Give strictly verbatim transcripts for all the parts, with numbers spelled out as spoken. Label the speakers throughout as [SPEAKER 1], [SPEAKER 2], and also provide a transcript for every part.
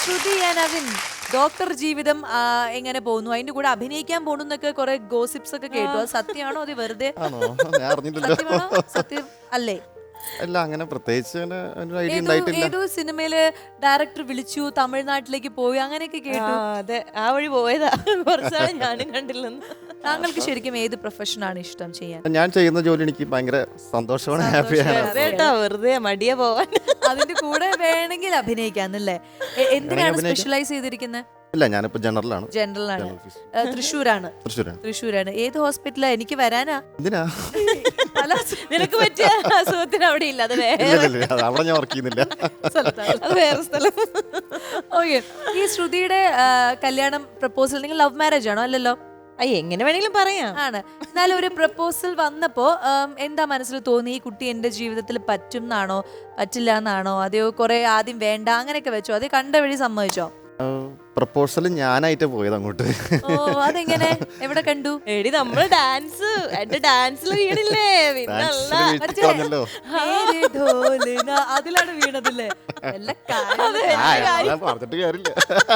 [SPEAKER 1] ശ്രുതി Naveen doctor ജീവിതം എങ്ങനെ പോകുന്നു? അതിന്റെ കൂടെ അഭിനയിക്കാൻ പോകുന്നൊക്കെ കുറെ ഗോസിപ്സ് ഒക്കെ കേട്ടു. അത് സത്യമാണോ? അത് വെറുതെ സത്യമാണോ? സത്യം അല്ലേ?
[SPEAKER 2] അല്ല, അങ്ങനെ പ്രത്യേകിച്ച് ഐഡിയ ഉണ്ടായിട്ടില്ല.
[SPEAKER 1] ഏതോ സിനിമയില് ഡയറക്ടർ വിളിച്ചു, തമിഴ്നാട്ടിലേക്ക് പോയി, അങ്ങനെയൊക്കെ കേട്ടു.
[SPEAKER 3] അതെ, ആ വഴി പോയതാ. കുറച്ചാണ് ഞാനും കണ്ടില്ലെന്ന്.
[SPEAKER 1] താങ്കൾക്ക് ശരിക്കും ഏത് പ്രൊഫഷനാണ് ഇഷ്ടം ചെയ്യാൻ?
[SPEAKER 2] ഞാൻ ചെയ്യുന്ന ജോലി എനിക്ക് ഭയങ്കര സന്തോഷമാണ്, ഹാപ്പിയാണ്.
[SPEAKER 3] കേട്ടോ, വെറുതെ മടിയ പോവാൻ.
[SPEAKER 1] അതിന്റെ കൂടെ വേണമെങ്കിൽ അഭിനയിക്കാന്നല്ലേ? എന്തിനാണ് സ്പെഷ്യലൈസ് ചെയ്തിരിക്കുന്നത്?
[SPEAKER 2] ഇല്ല, ഞാനിപ്പോ ജനറലാണ്.
[SPEAKER 1] ജനറൽ ആണ്. തൃശ്ശൂരാണ്.
[SPEAKER 2] തൃശ്ശൂരാണ്.
[SPEAKER 1] തൃശ്ശൂരാണ്. ഏത് ഹോസ്പിറ്റലാ? എനിക്ക് വരാനാ.
[SPEAKER 2] എന്തിനാ?
[SPEAKER 3] നിനക്ക് പറ്റിയ അസുഖത്തിന് അവിടെ ഇല്ല, അത്
[SPEAKER 2] അവിടെ ഞാൻ വർക്ക് ചെയ്യുന്നില്ല,
[SPEAKER 3] അത് വേറെ സ്ഥലം.
[SPEAKER 1] ഓക്കെ. ഈ ശ്രുതിയുടെ കല്യാണം പ്രപ്പോസൽ നിങ്ങൾ ലവ് മാരേജ് ആണോ? അല്ലല്ലോ.
[SPEAKER 3] അയ്യ, എങ്ങനെ വേണമെങ്കിലും പറയാം.
[SPEAKER 1] ആണ്. എന്നാലും ഒരു പ്രപ്പോസൽ വന്നപ്പോ എന്താ മനസ്സിൽ തോന്നി? ഈ കുട്ടി എന്റെ ജീവിതത്തിൽ പറ്റും എന്നാണോ പറ്റില്ല എന്നാണോ? അതെയോ കുറെ ആദ്യം വേണ്ട അങ്ങനെയൊക്കെ വെച്ചോ? അത് കണ്ട വഴി സമ്മതിച്ചോ?
[SPEAKER 2] പ്രപ്പോസൽ ഞാനായിട്ട് പോയത് അങ്ങോട്ട്.
[SPEAKER 1] ഓ, അതെങ്ങനെ? എവിടെ കണ്ടു?
[SPEAKER 3] എടി, നമ്മള് ഡാൻസ് എന്റെ ഡാൻസിൽ വീണില്ലേ?
[SPEAKER 1] അതിലാണ് വീണതല്ലേ?
[SPEAKER 2] പറഞ്ഞിട്ട് കാര്യമില്ല.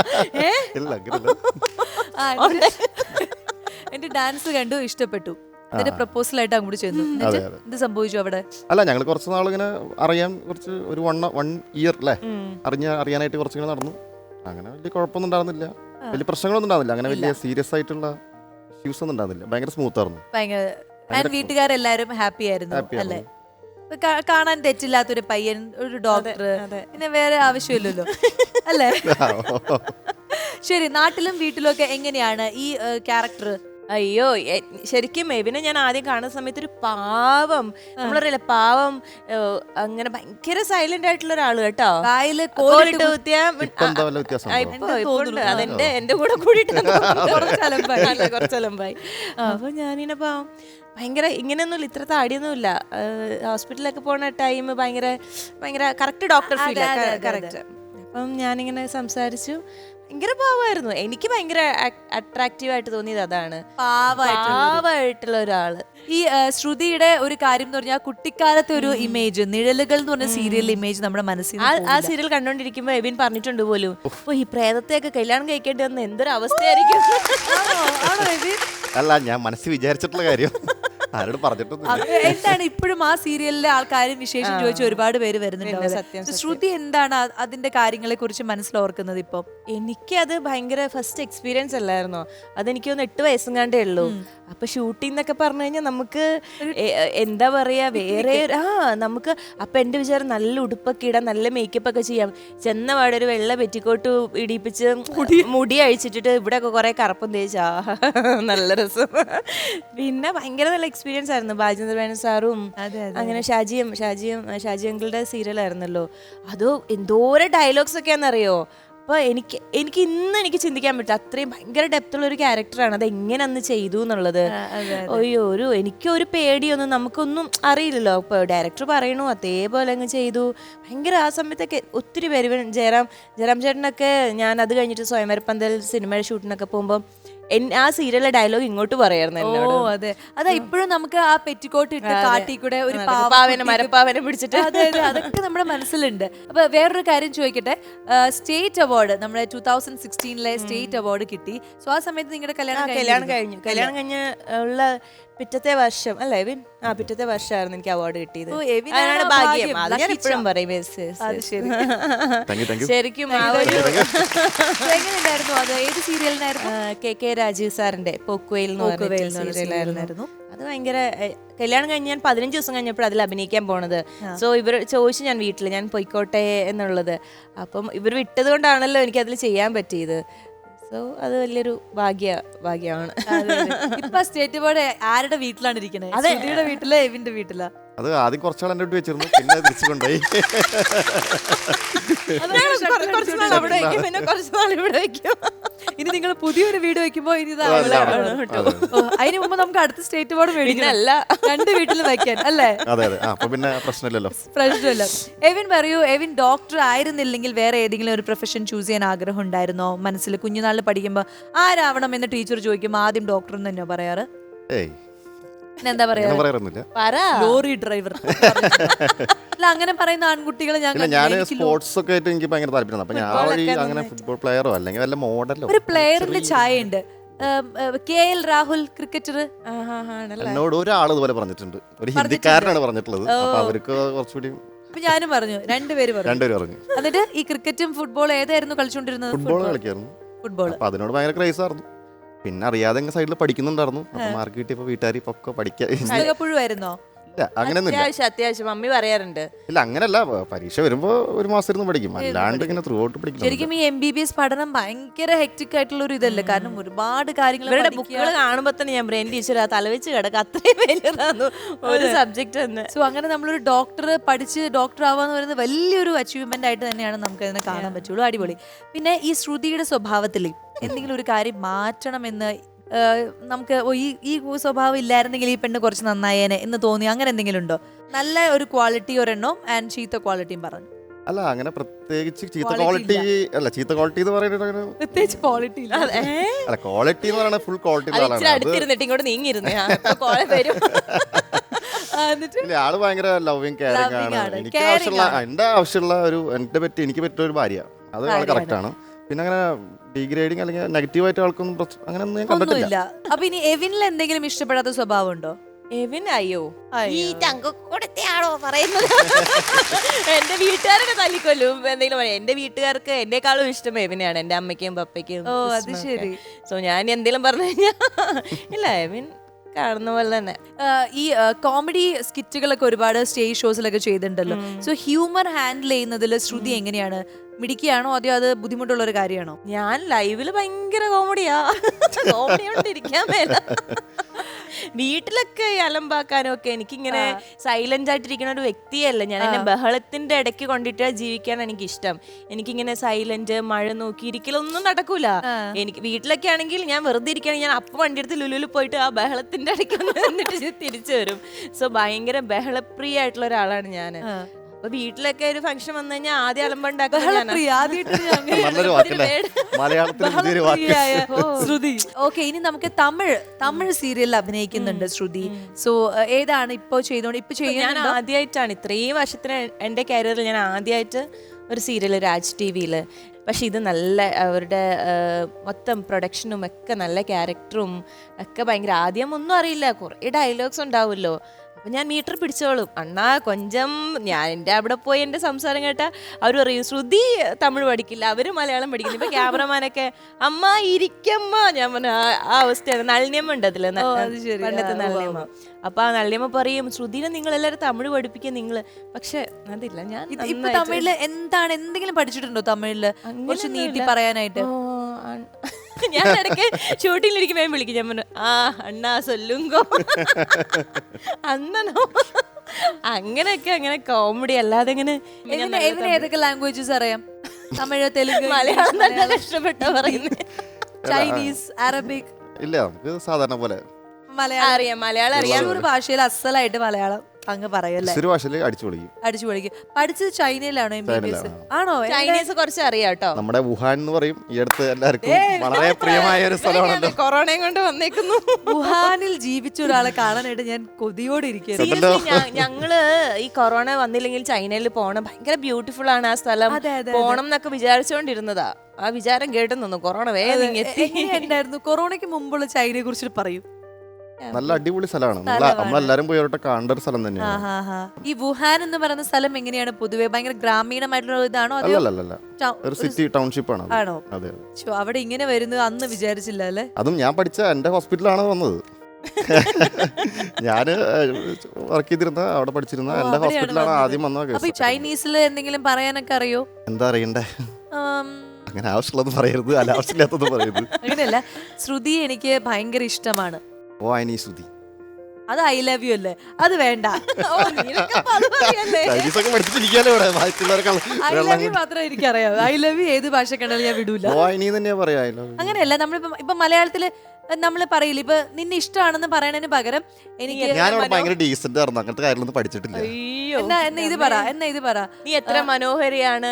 [SPEAKER 1] എന്റെ ഡാൻസ് കണ്ടു, ഇഷ്ടപ്പെട്ടു. അതിന്റെ പ്രപ്പോസൽ ആയിട്ട് അങ്ങോട്ട് ചെന്നു. എന്ത് സംഭവിച്ചു അവിടെ?
[SPEAKER 2] അല്ല, ഞങ്ങൾ കുറച്ച് നാളിങ്ങനെ അറിയാൻ, കുറച്ച് ഒരു വൺ വൺ ഇയർ അല്ലേ, അറിഞ്ഞ അറിയാനായിട്ട് കുറച്ചിങ്ങനെ നടന്നു. അങ്ങനെ വലിയ കുഴപ്പമൊന്നും ഉണ്ടായിരുന്നില്ല, വലിയ പ്രശ്നങ്ങളൊന്നും ഉണ്ടായിരുന്നില്ല, അങ്ങനെ വലിയ സീരിയസ് ആയിട്ടുള്ള ഇഷ്യൂസ് ഒന്നും ഉണ്ടായിരുന്നില്ല. ഭയങ്കര സ്മൂത്ത് ആയിരുന്നു.
[SPEAKER 1] ഭയങ്കര വീട്ടുകാരെല്ലാരും ഹാപ്പി ആയിരുന്നു അല്ലേ? കാണാൻ തെറ്റില്ലാത്തൊരു പയ്യൻ, ഒരു ഡോക്ടർ, പിന്നെ വേറെ ആവശ്യമില്ലല്ലോ അല്ലേ? ശരി, നാട്ടിലും വീട്ടിലും ഒക്കെ എങ്ങനെയാണ് ഈ ക്യാരക്ടർ?
[SPEAKER 3] അയ്യോ, ശരിക്കും മെബിനെ ഞാൻ ആദ്യം കാണുന്ന സമയത്ത് ഒരു പാവം, നമ്മളറിയില്ല, പാവം, അങ്ങനെ ഭയങ്കര സൈലന്റ് ആയിട്ടുള്ള ഒരാള് കേട്ടോ. കോലിട്ട് കുത്തിയ അതെന്റെ എന്റെ കൂടെ കൂടിയിട്ട് കുറച്ചലമ്പായി. അപ്പൊ ഞാനിങ്ങനെ പാവം, ഭയങ്കര ഇങ്ങനെയൊന്നുമില്ല, ഇത്ര താടിയൊന്നുമില്ല. ഹോസ്പിറ്റലിലൊക്കെ പോണ ടൈം ഭയങ്കര ഭയങ്കര കറക്റ്റ് ഡോക്ടർ ഫീൽ, കറക്റ്റ്. അപ്പം ഞാനിങ്ങനെ സംസാരിച്ചു, ഭയങ്കര പാവമായിരുന്നു. എനിക്ക് ഭയങ്കര അട്രാക്റ്റീവ് ആയിട്ട് തോന്നിയത് അതാണ്, പാവമായിട്ടുള്ള ഒരാള്.
[SPEAKER 1] ഈ ശ്രുതിയുടെ ഒരു കാര്യം എന്ന് പറഞ്ഞാൽ കുട്ടിക്കാലത്തെ ഒരു ഇമേജ്, നിഴലുകൾ എന്ന് പറഞ്ഞ സീരിയലിലെ ഇമേജ് നമ്മുടെ മനസ്സിൽ,
[SPEAKER 3] ആ സീരിയൽ കണ്ടോണ്ടിരിക്കുമ്പോ എബിൻ പറഞ്ഞിട്ടുണ്ട് പോലും, ഓ, ഈ പ്രേതത്തെയൊക്കെ കല്യാണം കഴിക്കേണ്ടി വന്ന എന്തൊരു അവസ്ഥയായിരിക്കും.
[SPEAKER 2] അല്ല, ഞാൻ മനസ്സിൽ വിചാരിച്ചിട്ടുള്ള കാര്യം ആരോട് പറഞ്ഞിട്ടൊന്നും.
[SPEAKER 1] എന്താണ് ഇപ്പോഴും ആ സീരിയലിലെ ആൾക്കാരും വിശേഷം ചോദിച്ച ഒരുപാട് പേര് വരുന്നുണ്ട്. ശ്രുതി എന്താണ് അതിന്റെ കാര്യങ്ങളെ കുറിച്ച് മനസ്സിലോർക്കുന്നത് ഇപ്പൊ?
[SPEAKER 3] എനിക്കത് ഭയങ്കര ഫസ്റ്റ് എക്സ്പീരിയൻസ് അല്ലായിരുന്നോ? അതെനിക്ക് ഒന്ന് എട്ട് വയസ്സും കണ്ടേ ഉള്ളൂ. അപ്പൊ ഷൂട്ടിംഗ് എന്നൊക്കെ പറഞ്ഞു കഴിഞ്ഞാൽ നമുക്ക് എന്താ പറയാ, വേറെ ആ നമുക്ക് അപ്പൊ എന്റെ വിചാരം നല്ല ഉടുപ്പൊക്കെ ഇടാം, നല്ല മേക്കപ്പ് ഒക്കെ ചെയ്യാം. ചെന്ന പാടെ ഒരു വെള്ള പെറ്റിക്കോട്ട് ഇടിപ്പിച്ച് മുടി അഴിച്ചിട്ടിട്ട് ഇവിടെ ഒക്കെ കുറെ കറുപ്പം തേച്ചാ നല്ല രസം. പിന്നെ ഭയങ്കര നല്ല എക്സ്പീരിയൻസ് ആയിരുന്നു. ബാജേന്ദ്ര മേനോൻ സാറും അങ്ങനെ ഷാജിയും ഷാജിയും ഷാജി അങ്കിളുടെ സീരിയൽ ആയിരുന്നല്ലോ. അതോ എന്തോരം ഡയലോഗ്സ് ഒക്കെയാണെന്നറിയോ? അപ്പോൾ എനിക്ക് എനിക്ക് ഇന്ന് എനിക്ക് ചിന്തിക്കാൻ പറ്റും, അത്രയും ഭയങ്കര ഡെപ്തുള്ള ഒരു ക്യാരക്ടറാണ്. അത് എങ്ങനെ അന്ന് ചെയ്തു എന്നുള്ളത്. അയ്യോ, ഒരു എനിക്കൊരു പേടിയൊന്നും നമുക്കൊന്നും അറിയില്ലല്ലോ. ഇപ്പോൾ ഡയറക്ടർ പറയണു അതേപോലെ അങ്ങ് ചെയ്തു. ഭയങ്കര ആ സമയത്തൊക്കെ ഒത്തിരി പേര്, ജയറാം ജയറാം ചേട്ടനൊക്കെ, ഞാൻ അത് കഴിഞ്ഞിട്ട് സ്വയംവരപ്പന്തൽ സിനിമയുടെ ഷൂട്ടിനൊക്കെ പോകുമ്പോൾ ആ സീരിയലിലെ ഡയലോഗ് ഇങ്ങോട്ട് പറയായിരുന്നു എന്നോട്.
[SPEAKER 1] ഓ, അതെ, അതാ ഇപ്പോഴും നമുക്ക് ആ പെറ്റിക്കോട്ട് ഇട്ട് കാട്ടി കൂടെ ഒരു
[SPEAKER 3] പാവനെ മരപ്പാവനെ പിടിച്ചിട്ട്,
[SPEAKER 1] അതെ അതെ, അതൊക്കെ നമ്മുടെ മനസ്സിലുണ്ട്. അപ്പൊ വേറൊരു കാര്യം ചോദിക്കട്ടെ, സ്റ്റേറ്റ് അവാർഡ് നമ്മുടെ ടൂ തൗസൻഡ് സിക്സ്റ്റീനിലെ സ്റ്റേറ്റ് അവാർഡ് കിട്ടി. സോ ആ സമയത്ത് നിങ്ങളുടെ കല്യാണം
[SPEAKER 3] കല്യാണം കഴിഞ്ഞു കല്യാണം കഴിഞ്ഞ് ഉള്ള പിറ്റത്തെ വർഷം അല്ലേ എബിൻ? ആ, പിറ്റത്തെ വർഷമായിരുന്നു എനിക്ക് അവാർഡ് കിട്ടിയത്. ഭാഗ്യം, അത് ഞാൻ ഇപ്പോഴും പറയും. ശരിക്കും
[SPEAKER 1] എങ്ങനെയുണ്ടായിരുന്നു അത്? ഏത് സീരിയലിനായിരുന്നു?
[SPEAKER 3] കെ കെ രാജീവ് സാറിന്റെ പോക്കുവെയിൽ എന്ന് പറഞ്ഞ സീരിയലായിരുന്നു. അത് ഭയങ്കര, കല്യാണം കഴിഞ്ഞ് ഞാൻ പതിനഞ്ച് ദിവസം കഴിഞ്ഞപ്പോൾ അതിൽ അഭിനയിക്കാൻ പോണത്. സോ ഇവർ ചോദിച്ചു ഞാൻ വീട്ടിൽ ഞാൻ പൊയ്ക്കോട്ടെ എന്നുള്ളത്. അപ്പം ഇവർ വിട്ടത് കൊണ്ടാണല്ലോ എനിക്ക് അതിൽ ചെയ്യാൻ പറ്റിയത്. സോ അത് വലിയൊരു ഭാഗ്യ ഭാഗ്യമാണ്.
[SPEAKER 1] ഇപ്പൊ സ്റ്റേറ്റ് അവാർഡ് ആരുടെ വീട്ടിലാണ് ഇരിക്കുന്നത്? ശ്രുതിയുടെ വീട്ടിലോ എവിന്റെ വീട്ടിലാ?
[SPEAKER 2] അത് ആദ്യം കുറച്ചാൾ എന്റെ വീട്ടിൽ വെച്ചിരുന്നു, പിന്നെ തിരിച്ചു കൊണ്ടുപോയി.
[SPEAKER 1] ഇനി നിങ്ങൾ പുതിയൊരു വീട് വെക്കുമ്പോ ഇനി അതിന് മുമ്പ് നമുക്ക് അടുത്ത സ്റ്റേറ്റ് അവാർഡ് മേടിക്കണല്ല, രണ്ട് വീട്ടിൽ വെക്കാൻ അല്ലേ?
[SPEAKER 2] പിന്നെ പ്രശ്നമില്ലല്ലോ.
[SPEAKER 1] പ്രശ്നമില്ല. എവിൻ പറയൂ, എവിൻ ഡോക്ടർ ആയിരുന്നില്ലെങ്കിൽ വേറെ ഏതെങ്കിലും ഒരു പ്രൊഫഷൻ ചൂസ് ചെയ്യാൻ ആഗ്രഹം ഉണ്ടായിരുന്നോ മനസ്സിൽ? കുഞ്ഞുനാളിൽ പഠിക്കുമ്പോ ആരാവണം എന്ന് ടീച്ചർ ചോദിക്കുമ്പോ ആദ്യം ഡോക്ടർ എന്ന് തന്നെയോ പറയാറ്?
[SPEAKER 2] ഏയ്,
[SPEAKER 1] എന്താ പറയാ,
[SPEAKER 2] അങ്ങനെ പറയാറൊന്നുമില്ല.
[SPEAKER 3] പറ.
[SPEAKER 1] ലോറി ഡ്രൈവർ അല്ല, അങ്ങനെ പറയുന്ന ആൺകുട്ടികളെ ഞാൻ
[SPEAKER 2] ഇല്ല, ഞാൻ
[SPEAKER 1] കണ്ടിട്ടുണ്ട്.
[SPEAKER 2] സ്പോർട്സ് ഒക്കെ ആയിട്ട് എനിക്ക് ഭയങ്കര താല്പര്യമാണ്. അപ്പൊ ഞാൻ വഴി അങ്ങനെ ഫുട്ബോൾ പ്ലെയറോ അല്ലെങ്കിൽ വല്ല മോഡലോ.
[SPEAKER 1] ഒരു പ്ലെയറിന്റെ ചായ ഉണ്ട്, കെ എൽ രാഹുൽ, ക്രിക്കറ്റർ.
[SPEAKER 2] എന്നോട് ഒരാൾ ഇതുപോലെ പറഞ്ഞിട്ടുണ്ട്, ഒരു ഹിന്ദിക്കാരനാണ് പറഞ്ഞിട്ടുള്ളത്. അപ്പൊ അവർക്ക് കുറച്ചുകൂടി.
[SPEAKER 1] അപ്പൊ ഞാനും പറഞ്ഞു, രണ്ടുപേര് പറഞ്ഞു.
[SPEAKER 2] രണ്ടുപേരും പറഞ്ഞു.
[SPEAKER 1] എന്നിട്ട് ഈ ക്രിക്കറ്റും ഫുട്ബോളും ഏതായിരുന്നു കളിച്ചോണ്ടിരുന്നത്?
[SPEAKER 2] ഫുട്ബോൾ കളിക്കായിരുന്നു.
[SPEAKER 1] ഫുട്ബോൾ.
[SPEAKER 2] അപ്പൊ അതിനോട് ഭയങ്കര ക്രൈസ് ആയിരുന്നു. പിന്നെ അറിയാതെ സൈഡിൽ പഠിക്കുന്നുണ്ടായിരുന്നു. അപ്പൊ മാർക്ക് കിട്ടിയപ്പോ വീട്ടുകാർ ഇപ്പൊ പഠിക്കാൻ.
[SPEAKER 1] പുഴുവായിരുന്നോ?
[SPEAKER 2] ഇല്ല, അങ്ങനെയൊന്നുമില്ല.
[SPEAKER 3] അത്യാവശ്യം അത്യാവശ്യം മമ്മി പറയാറുണ്ട്.
[SPEAKER 2] ഇല്ല, അങ്ങനല്ല, പരീക്ഷ വരുമ്പോ ഒരു മാസം ഇരുന്ന് പഠിക്കും, അല്ലാണ്ട് ഇങ്ങനെ ത്രൂ ഔട്ട് പഠിക്കും.
[SPEAKER 1] ശരിക്കും ഈ എം ബി ബി എസ് പഠനം ഭയങ്കര ഹെക്ടിക് ആയിട്ടുള്ള ഒരു ഇതല്ലേ, കാരണം ഒരുപാട് കാര്യങ്ങൾ.
[SPEAKER 3] ഇവരുടെ ബുക്കുകൾ കാണുമ്പോ തന്നെ ഞാൻ ബ്രെയിൻ ടീച്ചർ തലവെച്ച് കിടക്കുക, അത്രയും വലിയതാന്നു ഒരു സബ്ജക്ട് തന്നെ.
[SPEAKER 1] സോ അങ്ങനെ നമ്മളൊരു ഡോക്ടർ പഠിച്ച് ഡോക്ടർ ആവാന്ന് പറയുന്നത് വലിയൊരു അച്ചീവ്മെന്റ് ആയിട്ട് തന്നെയാണ് നമുക്ക് അതിനെ കാണാൻ പറ്റുള്ളൂ. അടിപൊളി. പിന്നെ ഈ ശ്രുതിയുടെ സ്വഭാവത്തിൽ എന്തെങ്കിലും ഒരു കാര്യം മാറ്റണമെന്ന് നമുക്ക് ഈ ഈ സ്വഭാവം ഇല്ലായിരുന്നെങ്കിൽ ഈ പെണ്ണ് കുറച്ച് നന്നായേനെ എന്ന് തോന്നി, അങ്ങനെ എന്തെങ്കിലും ഉണ്ടോ? നല്ല ഒരു ക്വാളിറ്റി ഒരെണ്ണം ആൻഡ് ചീത്ത ക്വാളിറ്റിയും പറഞ്ഞു.
[SPEAKER 2] അല്ല, അങ്ങനെ പ്രത്യേകിച്ച് ചീത്ത ക്വാളിറ്റി അല്ല. ചീത്ത ക്വാളിറ്റി എന്ന് പറയുന്നത്
[SPEAKER 1] പ്രത്യേകിച്ച് ക്വാളിറ്റി
[SPEAKER 2] അല്ല, ക്വാളിറ്റി എന്ന് പറയുന്നത് ഫുൾ ക്വാളിറ്റി.
[SPEAKER 3] അടുത്തിരുന്നിട്ട് ഇങ്ങോട്ട് നീങ്ങിയിരുന്നേ
[SPEAKER 2] ആള് ഭയങ്കര ലവിങ് കെയറിംഗ് ആണ്. എനിക്ക് ആവശ്യമുള്ള എന്റെ ആവശ്യമുള്ള ഒരു എന്റെ പറ്റി എനിക്ക് പറ്റിയ ഒരു ഭാര്യ, അത് ആള് കറക്റ്റ് ആണ്. പിന്നെ അങ്ങനെ ഡിഗ്രേഡിങ് അല്ലെങ്കിൽ നെഗറ്റീവ് ആയിട്ട് ആൾക്കൊന്നും അങ്ങനെ ഒന്നും ഞാൻ കണ്ടിട്ടില്ല.
[SPEAKER 1] അപ്പൊ ഇനി എവിനിൽ എന്തെങ്കിലും ഇഷ്ടപ്പെടാത്ത സ്വഭാവം ഉണ്ടോ?
[SPEAKER 3] എവിൻ അയ്യോ ഈ തങ്കക്കൂടത്തെയാണോ പറയുന്നത്? എന്റെ വീട്ടുകാരൊക്കെ തല്ലിക്കൊല്ലും എന്തെങ്കിലും പറയാം. എന്റെ വീട്ടുകാർക്ക് എന്നെക്കാളും ഇഷ്ടം എവിനെയാണ്, എന്റെ അമ്മയ്ക്കും പപ്പയ്ക്കും.
[SPEAKER 1] ഓ, അത് ശരി.
[SPEAKER 3] സോ ഞാൻ എന്തെങ്കിലും പറഞ്ഞു കഴിഞ്ഞാൽ ഇല്ല, എവിൻ കാണുന്ന പോലെ തന്നെ.
[SPEAKER 1] ഈ കോമഡി സ്കിറ്റുകളൊക്കെ ഒരുപാട് സ്റ്റേജ് ഷോസിലൊക്കെ ചെയ്തിട്ടുണ്ടല്ലോ. സോ ഹ്യൂമർ ഹാൻഡിൽ ചെയ്യുന്നതിൽ ശ്രുതി എങ്ങനെയാണ്? മിടിക്കുകയാണോ അതോ അത് ബുദ്ധിമുട്ടുള്ള ഒരു കാര്യമാണോ?
[SPEAKER 3] ഞാൻ ലൈവില് ഭയങ്കര കോമഡിയാ, കോമഡി കൊണ്ടിരിക്കാൻ മേല. വീട്ടിലൊക്കെ അലമ്പാക്കാനും ഒക്കെ എനിക്കിങ്ങനെ സൈലന്റ് ആയിട്ടിരിക്കുന്ന ഒരു വ്യക്തിയല്ല ഞാൻ. എന്നെ ബഹളത്തിന്റെ ഇടയ്ക്ക് കൊണ്ടിട്ട് ജീവിക്കാൻ എനിക്ക് ഇഷ്ടം. എനിക്കിങ്ങനെ സൈലന്റ് മഴ നോക്കി ഇരിക്കലൊന്നും നടക്കൂല. എനിക്ക് വീട്ടിലൊക്കെ ആണെങ്കിൽ ഞാൻ വെറുതെ ഇരിക്കുകയാണെങ്കിൽ ഞാൻ അപ്പം വണ്ടി എടുത്ത് ലുലുവിൽ പോയിട്ട് ആ ബഹളത്തിന്റെ ഇടയ്ക്ക് വന്നിട്ട് തിരിച്ചു വരും. സോ ഭയങ്കര ബഹളപ്രിയ ആയിട്ടുള്ള ഒരാളാണ് ഞാൻ. അപ്പൊ വീട്ടിലൊക്കെ ഒരു ഫംഗ്ഷൻ വന്നു കഴിഞ്ഞാൽ ആദ്യം അലമ്പുണ്ടാക്കും.
[SPEAKER 1] ശ്രുതി. ഓക്കെ, ഇനി നമുക്ക് തമിഴ് തമിഴ് സീരിയലിൽ അഭിനയിക്കുന്നുണ്ട് ശ്രുതി. സോ ഏതാണ് ഇപ്പൊ ചെയ്തോണ്ട് ഇപ്പൊ
[SPEAKER 3] ഞാൻ ആദ്യമായിട്ടാണ് ഇത്രയും വർഷത്തിന് എന്റെ കരിയറിൽ ഞാൻ ആദ്യമായിട്ട് ഒരു സീരിയൽ രാജ് ടി വിയില്. പക്ഷെ ഇത് നല്ല അവരുടെ മൊത്തം പ്രൊഡക്ഷനും ഒക്കെ നല്ല ക്യാരക്ടറും ഒക്കെ ഭയങ്കര. ആദ്യം ഒന്നും അറിയില്ല, കുറേ ഡയലോഗ്സ് ഉണ്ടാവുമല്ലോ. അപ്പം ഞാൻ മീറ്റർ പിടിച്ചോളും. അണ്ണാ കൊഞ്ചം ഞാൻ എൻ്റെ അവിടെ പോയി എൻ്റെ സംസാരം കേട്ടാൽ അവർ പറയും ശ്രുതി തമിഴ് പഠിക്കില്ല, അവർ മലയാളം പഠിക്കില്ല. ഇപ്പം ക്യാമറമാനൊക്കെ അമ്മ ഇരിക്കമ്മ, ഞാൻ പറഞ്ഞ ആ അവസ്ഥയാണ്. നളിനിയമ്മ ഉണ്ട് അതിൽ, പണ്ടത്തെ നളിനിയമ്മ. അപ്പൊ ആ നളിനിയമ്മ പറയും ശ്രുതിനെ നിങ്ങൾ എല്ലാവരും തമിഴ് പഠിപ്പിക്കുക നിങ്ങൾ. പക്ഷെ അതില്ല, ഞാൻ
[SPEAKER 1] തമിഴില് എന്താണ് എന്തെങ്കിലും പഠിച്ചിട്ടുണ്ടോ? തമിഴില് കുറച്ച് നീട്ടി പറയാനായിട്ട്.
[SPEAKER 3] ഞാൻ ഇടയ്ക്ക് ഷൂട്ടിങ്ങിലിരിക്കുമ്പോ വിളിക്കും, ഞാൻ പറഞ്ഞു ആ അണ്ണാ സൊല്ലുങ്കോ അന്നോ അങ്ങനെയൊക്കെ. അങ്ങനെ കോമഡി അല്ലാതെ ഇങ്ങനെ.
[SPEAKER 1] ഏതൊക്കെ ലാംഗ്വേജസ് അറിയാം? തമിഴ്, തെലുങ്ക്,
[SPEAKER 3] മലയാളം നല്ല കഷ്ടപ്പെട്ടോ പറയുന്നത്.
[SPEAKER 1] Chinese, Arabic?
[SPEAKER 2] ഇല്ല, നമുക്ക് സാധാരണ പോലെ
[SPEAKER 1] മലയാളം
[SPEAKER 3] അറിയാം. മലയാളം അറിയാം.
[SPEAKER 1] ഒരു ഭാഷയിൽ അസലായിട്ട് മലയാളം അങ്ങ് പറയല്ലേ?
[SPEAKER 2] അടിച്ചു പൊളിക്കും.
[SPEAKER 1] അടിച്ചു പൊളിക്കും. പഠിച്ചത് ചൈനയിലാണോ? എം ബി ബി എസ് ആണോ?
[SPEAKER 3] ചൈനീസ് കുറച്ച് അറിയാം കേട്ടോ.
[SPEAKER 2] നമ്മുടെ വുഹാൻ എന്ന് പറയും, ഈ അടുത്ത് എല്ലാവർക്കും വളരെ പ്രിയമായ ഒരു സ്ഥലമാണ്.
[SPEAKER 3] കൊറോണയും കൊണ്ട് വന്നേക്കുന്നു.
[SPEAKER 1] വുഹാനിൽ ജീവിച്ച ഒരാളെ കാണാനായിട്ട് ഞാൻ കൊതിയോടെ ഇരിക്കുന്നു.
[SPEAKER 3] ഞങ്ങള് ഈ കൊറോണ വന്നില്ലെങ്കിൽ ചൈനയിൽ പോണം, ഭയങ്കര ബ്യൂട്ടിഫുൾ ആണ് ആ സ്ഥലം, പോണം എന്നൊക്കെ വിചാരിച്ചോണ്ടിരുന്നതാ. ആ വിചാരം കേട്ടു നിന്നു, കൊറോണ വേഗം
[SPEAKER 1] എങ്ങനെയുണ്ടായിരുന്നു? കൊറോണയ്ക്ക് മുമ്പുള്ള ചൈനയെ കുറിച്ചിട്ട് പറയും.
[SPEAKER 2] നല്ല അടിപൊളി സ്ഥലമാണ്, നമ്മളെല്ലാരും പോയി കാണേണ്ട ഒരു സ്ഥലം തന്നെയാണ്.
[SPEAKER 1] ഈ വുഹാൻ എന്ന് പറയുന്ന സ്ഥലം എങ്ങനെയാണ് പൊതുവെ? ഭയങ്കര ഗ്രാമീണമായിട്ടുള്ള ഇതാണോ?
[SPEAKER 2] ഒരു സിറ്റി ടൗൺഷിപ്പ് ആണ്.
[SPEAKER 1] ആണോ? അവിടെ ഇങ്ങനെ വരുന്നത് അന്ന് വിചാരിച്ചില്ല അല്ലേ?
[SPEAKER 2] അതും ഞാൻ പഠിച്ച എന്റെ ഹോസ്പിറ്റലാണ് വന്നത്. ഞാന് വർക്ക് ചെയ്തിരുന്ന അവിടെ പഠിച്ചിരുന്ന എന്റെ ഹോസ്പിറ്റലാണ് ആദ്യം വന്നത്.
[SPEAKER 1] ചൈനീസിൽ എന്തെങ്കിലും പറയാനൊക്കെ അറിയോ?
[SPEAKER 2] എന്താ അറിയണ്ടേ? അങ്ങനെ ആവശ്യമുള്ളത് പറയരുത്, അനാവശ്യമില്ലാത്തത് പറയരുത്.
[SPEAKER 1] അങ്ങനെയല്ല, ശ്രുതി എനിക്ക് ഭയങ്കര ഇഷ്ടമാണ്.
[SPEAKER 2] ഓ ഐ നീ ശ്രുതി,
[SPEAKER 1] അത് ഐ ലവ് യു അല്ലേ? അത് വേണ്ട. മാത്രമേ എനിക്കറിയാം. ഐ ലവ് യു ഏത് ഭാഷ കണ്ടാലും ഞാൻ വിടൂല. അങ്ങനെയല്ല, നമ്മളിപ്പോ ഇപ്പൊ മലയാളത്തില് നമ്മള് പറയില്ല, ഇപ്പൊ നിന്നെ ഇഷ്ടമാണെന്ന് പറയണതിന് പകരം എനിക്ക്
[SPEAKER 2] പഠിച്ചിട്ടില്ല.
[SPEAKER 1] എന്നാ എന്നാ ഇത് പറ, എന്നാ ഇത് പറ,
[SPEAKER 3] നീ എത്ര മനോഹരിയാണ്.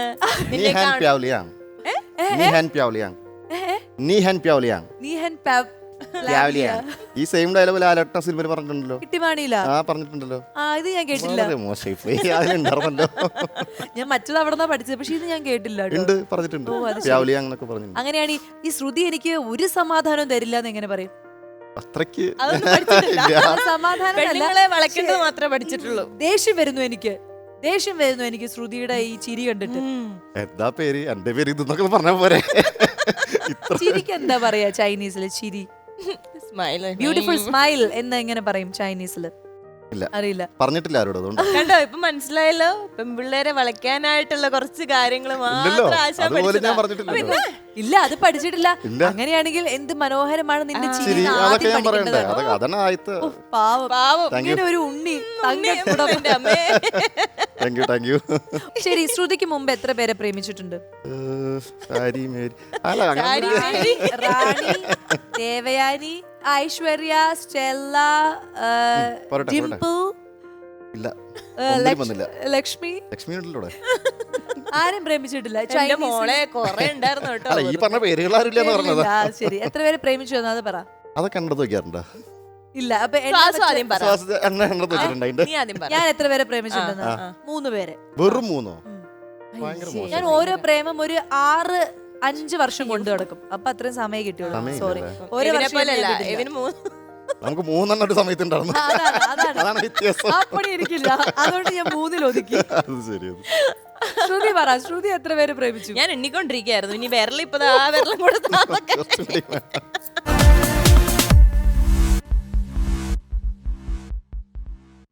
[SPEAKER 2] രാവിലെയാ ഈ സെയിം ഡയലോഗ് ലാലട്ട സിനിമയിൽ പറഞ്ഞിട്ടുണ്ടല്ലോ.
[SPEAKER 1] കിട്ടിമാണിയില്ല.
[SPEAKER 2] ആ പറഞ്ഞിട്ടുണ്ടല്ലോ.
[SPEAKER 1] ആ ഇത് ഞാൻ കേട്ടില്ല.
[SPEAKER 2] വളരെ മോശമായി പോയി. അതിലുണ്ടായിരുന്നല്ലോ.
[SPEAKER 1] ഞാൻ മറ്റത് അവിടെ നിന്നാ പഠിച്ചത്, പക്ഷെ ഇത് ഞാൻ കേട്ടില്ല കേട്ടോ.
[SPEAKER 2] ഉണ്ട് പറഞ്ഞിട്ടുണ്ട്.
[SPEAKER 1] ഓ, അത് ശരി.
[SPEAKER 2] രാവിലെ അങ്ങനൊക്കെ പറഞ്ഞിട്ടുണ്ട്.
[SPEAKER 1] അങ്ങനെയാണ് ഈ- ഈ ശ്രുതി എനിക്ക് ഒരു സമാധാനവും തരില്ല എന്ന് എങ്ങനെ പറയും?
[SPEAKER 2] അത്രയ്ക്ക്
[SPEAKER 3] അതൊന്നും പഠിച്ചിട്ടില്ല.
[SPEAKER 2] ഇല്ല.
[SPEAKER 1] സമാധാനം
[SPEAKER 3] പെണ്ണുങ്ങളെ വളയ്ക്കേണ്ടത് മാത്രമേ പഠിച്ചിട്ടുള്ളൂ.
[SPEAKER 1] ദേഷ്യം വരുന്നു എനിക്ക്, ദേഷ്യം വരുന്നു എനിക്ക് ശ്രുതിയുടെ ഈ ചിരി കണ്ടിട്ട്.
[SPEAKER 2] എന്താ പേര് എന്റെ പേര് ഇതെന്നൊക്കെ പറഞ്ഞ പോരെ. ഇത്ര
[SPEAKER 1] ചിരിക്ക് എന്താ പറയാ ചൈനീസില്? ചിരി,
[SPEAKER 3] സ്മൈൽ,
[SPEAKER 1] ബ്യൂട്ടിഫുൾ സ്മൈൽ എന്ന് എങ്ങനെ പറയും ചൈനീസില്?
[SPEAKER 2] ഇല്ല
[SPEAKER 1] അറിയില്ല.
[SPEAKER 2] പറഞ്ഞിട്ടില്ല ആരോട്. അതുകൊണ്ട്
[SPEAKER 3] കണ്ടോ ഇപ്പൊ മനസ്സിലായല്ലോ. പെൺപിള്ളേരെ വളയ്ക്കാനായിട്ടുള്ള കുറച്ച് കാര്യങ്ങൾ
[SPEAKER 2] ഇല്ലല്ലോ.
[SPEAKER 3] മാത്രം ആശാൻ
[SPEAKER 2] അതുപോലെ ഞാൻ
[SPEAKER 3] പഠിച്ചതാ.
[SPEAKER 2] പറഞ്ഞിട്ടില്ലല്ലോ.
[SPEAKER 1] ഇല്ല, അത് പഠിച്ചിട്ടില്ല.
[SPEAKER 2] ഇല്ല.
[SPEAKER 1] അങ്ങനെയാണെങ്കിൽ എന്ത് മനോഹരമാണ് നിന്റെ ചിരി
[SPEAKER 2] ശരി
[SPEAKER 1] എന്ന്
[SPEAKER 2] അതൊക്കെ
[SPEAKER 1] ആദ്യം
[SPEAKER 2] ഞാൻ പറയണ്ടേ.
[SPEAKER 1] പഠിക്കേണ്ടതാണ്.
[SPEAKER 2] അതൊക്കെ അതന്നെ ആയത്ത്.
[SPEAKER 1] ഓ, പാവം
[SPEAKER 3] പാവം.
[SPEAKER 2] Thank you.
[SPEAKER 1] ഇങ്ങനെ ഒരു ഉണ്ണി
[SPEAKER 3] ഉണ്ണി,
[SPEAKER 1] തങ്കക്കുടം.
[SPEAKER 3] എൻ്റെ അമ്മേ.
[SPEAKER 2] Thank you thank you.
[SPEAKER 1] ശരി, ശ്രുതിക്ക് മുമ്പ് എത്ര പേരെ പ്രേമിച്ചിട്ടുണ്ട്?
[SPEAKER 2] സാരി മേരി അല്ല അങ്ങനെ
[SPEAKER 3] സാരി മേരി.
[SPEAKER 1] റാണി, ദേവയാനി, ഐശ്വര്യ, സ്റ്റെല്ല, ആ,
[SPEAKER 2] പോരട്ടെ,
[SPEAKER 1] ഡിംപിൾ,
[SPEAKER 2] ഇല്ല
[SPEAKER 1] ആ,
[SPEAKER 2] ഒന്നിനും
[SPEAKER 1] ലക്ഷ്-
[SPEAKER 2] വന്നില്ല.
[SPEAKER 1] ലക്ഷ്മി,
[SPEAKER 2] ലക്ഷ്മി ഉണ്ടല്ലോ ഇവിടെ.
[SPEAKER 1] ആരും പ്രേമിച്ചിട്ടില്ല.
[SPEAKER 3] എന്റെ
[SPEAKER 1] ചൈനീസിൽ-
[SPEAKER 3] മോളെ കൊറേ ഉണ്ടായിരുന്നു കേട്ടോ.
[SPEAKER 2] അല്ല ഈ പറഞ്ഞ പേരുകൾ ആരും ഇല്ലെന്ന് പറഞ്ഞത്.
[SPEAKER 1] ഇല്ല, ആ, ശരി. എത്ര പേര് പ്രേമിച്ചു എന്ന് അത് പറ.
[SPEAKER 2] അതൊക്കെ കണ്ടത് നോക്കിയാറുണ്ടോ?
[SPEAKER 1] ഇല്ല, അപ്പൊ എന്നെ
[SPEAKER 3] ശ്വാസം
[SPEAKER 1] വെച്ച്
[SPEAKER 3] ആദ്യം പറ.
[SPEAKER 2] ശ്വാസത്തെ എണ്ണ കണ്ടത് വെച്ചിട്ടുണ്ട് അതിന്റെ.
[SPEAKER 3] നീ ആദ്യം പറ.
[SPEAKER 1] ഞാൻ എത്ര പേരെ പ്രേമിച്ചിട്ടുണ്ടെന്ന്? മൂന്ന് പേരെ.
[SPEAKER 2] വെറും മൂന്നോ?
[SPEAKER 1] ഉം.
[SPEAKER 2] ഭയങ്കര
[SPEAKER 3] ശരി.
[SPEAKER 2] മോശം.
[SPEAKER 1] ഞാൻ ഓരോ പ്രേമം ഒരു ആറ് അഞ്ച് വർഷം കൊണ്ട് നടക്കും. അപ്പൊ അത്രയും സമയം കിട്ടിയുള്ളൂ.
[SPEAKER 2] സമയം
[SPEAKER 1] സോറി,
[SPEAKER 2] ഇല്ലല്ലേ?
[SPEAKER 1] ഓരോ
[SPEAKER 3] ഇവനെ
[SPEAKER 1] വർഷം
[SPEAKER 3] പോലെയല്ല.
[SPEAKER 1] ഞാൻ ചെയ്തിട്ടില്ല.
[SPEAKER 3] ഇവന് മൂന്ന്
[SPEAKER 2] നമുക്ക് മൂന്നെണ്ണം ഒരു സമയത്ത് ഉണ്ടായിരുന്നു.
[SPEAKER 1] ആ, അതാണ്, അതാണ്.
[SPEAKER 2] അതാണ് വ്യത്യാസം.
[SPEAKER 1] ആ പണി എനിക്കില്ല, അതുകൊണ്ട് ഞാൻ മൂന്നിൽ ഒതുക്കി.
[SPEAKER 2] അത് ശരി. അത്.
[SPEAKER 1] ശ്രുതി പറ, ശ്രുതി എത്ര പേര് പ്രേമിച്ചു?
[SPEAKER 3] ഞാൻ എണ്ണിക്കൊണ്ടിരിക്കുകയായിരുന്നു. ഇനി വിരലിപ്പത് ആ വിരലും കൂടെ താന്നൊക്കെ.
[SPEAKER 2] കുറച്ചുകൂടി വേണം.